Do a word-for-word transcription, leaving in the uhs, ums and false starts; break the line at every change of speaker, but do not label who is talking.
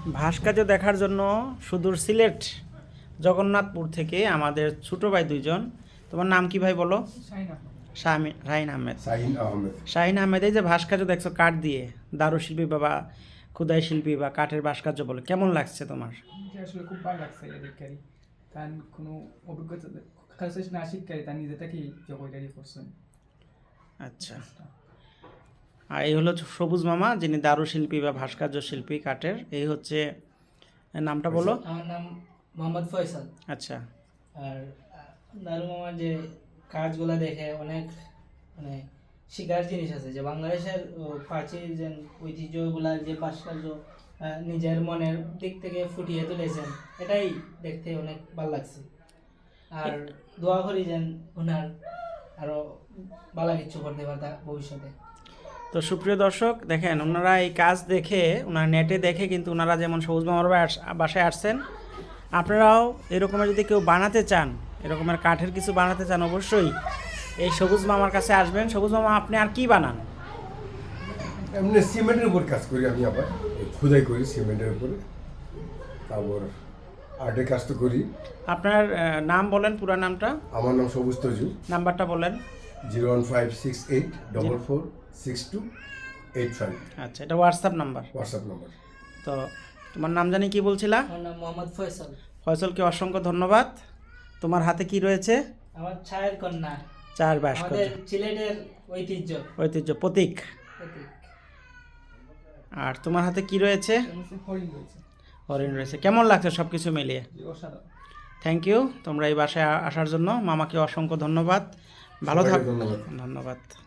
ভাস্কর্য দেখার জন্য সুদূর সিলেট জগন্নাথপুর থেকে আমাদের ছোটো ভাই দুইজন। তোমার নাম কি ভাই বলো? শাহিন শাহিন আহমেদ।
শাহিন আহমেদ
শাহিন আহমেদ, এই যে ভাস্কর্য দেখছো কাঠ দিয়ে, দারুশিল্পী বা ক্ষুদাই শিল্পী বা কাঠের ভাস্কর্য বলে, কেমন লাগছে তোমার?
আসলে খুব ভালো লাগছে এটা দেখে। তার কোনো অভিজ্ঞতা কাছে না শিক্ষারি তার নিজে থেকেই জগৎটারি করছেন।
আচ্ছা, আর এই হলো সবুজ মামা, যিনি দারুশিল্পী বা ভাস্কর্য শিল্পী কাঠের। এই হচ্ছে, নামটা বলো।
আমার নাম মোহাম্মদ ফয়সাল।
আচ্ছা,
আর দারু মামার যে কাজগুলা দেখে অনেক মানে শিকার জিনিস আছে, যে বাংলাদেশের প্রাচীন যে ঐতিহ্যগুলার যে ভাস্কর্য নিজের মনের দিক থেকে ফুটিয়ে তুলেছেন, এটাই দেখতে অনেক ভালো লাগছে। আর দোয়া করি যেন ওনার আরো ভালো কিছু করতে পারতা ভবিষ্যতে।
তো সুপ্রিয় দর্শক, দেখেন ওনারা এই কাজ দেখে, ওনারা নেটে দেখে কিন্তু ওনারা যেমন সবুজ মামার বাসায় আসছেন, আপনারাও এরকমের যদি কেউ বানাতে চান, এরকমের কাঠের কিছু বানাতে চান, অবশ্যই এই সবুজ মামার কাছে আসবেন। সবুজ মামা, আপনি আর কি বানান?
এমনি সিমেন্টের উপর কাজ করি আমি, আবার খোদাই করি সিমেন্টের উপরে, তারপর আর্টের কাজ তো করি।
আপনার নাম বলেন, পুরো নামটা।
আমার নাম সবুজ তজু।
নাম্বারটা বলেন।
Zero one five six eight double four six two eight five.
আচ্ছা, এটা হোয়াটসঅ্যাপ নাম্বার।
WhatsApp number.
তো তোমার নাম জানি কি বলছিলা?
আমার নাম মোহাম্মদ ফয়সাল।
ফয়সালকে অসংখ্য ধন্যবাদ। তোমার হাতে কি রয়েছে?
আমার ছায়ের কন্যা,
চার
আমাদের
ভাস্কর্য,
সিলেটের ঐতিহ্য
ঐতিহ্য প্রতীক।
প্রতীক।
আর তোমার হাতে কি রয়েছে?
হরিণ রয়েছে।
হরিণ রয়েছে। কেমন লাগছে সব কিছু মিলিয়ে?
অসাধারণ।
থ্যাংক ইউ, তোমরা এই বাসায় আসার জন্য মামাকে অসংখ্য ধন্যবাদ। ভালো থাকো।
ধন্যবাদ।
ধন্যবাদ।